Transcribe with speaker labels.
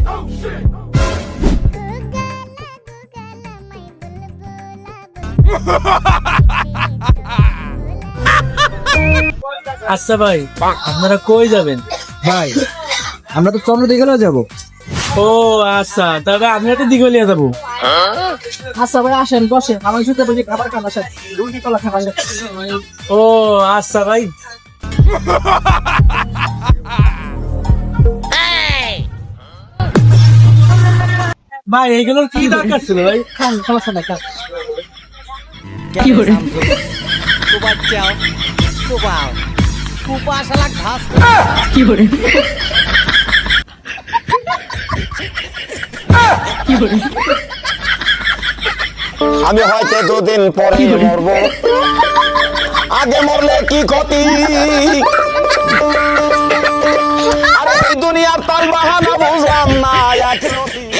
Speaker 1: আচ্ছা ভাই, আপনারা কই যাবেন?
Speaker 2: ভাই আমরা তো চন্দ্র দিঘালেও যাবো।
Speaker 1: ও আচ্ছা, তবে আমরা তো দিঘলিয়া যাবো।
Speaker 2: আচ্ছা ভাই আসেন বসেন, আমার সাথে বসে খাবার খান, আসেন রুটি কলা খাবার।
Speaker 1: ও আচ্ছা ভাই। ভাই এগুলোর কি দরকার ছিল ভাই?
Speaker 2: খান, সমস্যা নাই, খান।
Speaker 3: কি করে তু বাচ্চাও তু বাও তু পাশালা ঘাস
Speaker 2: কি করে কি করে
Speaker 4: আমি হয়তো দুদিন পরে মরবো, আগে মরলে কি ক্ষতি? আরে এই দুনিয়ার তাল বাহানা বুঝলাম না।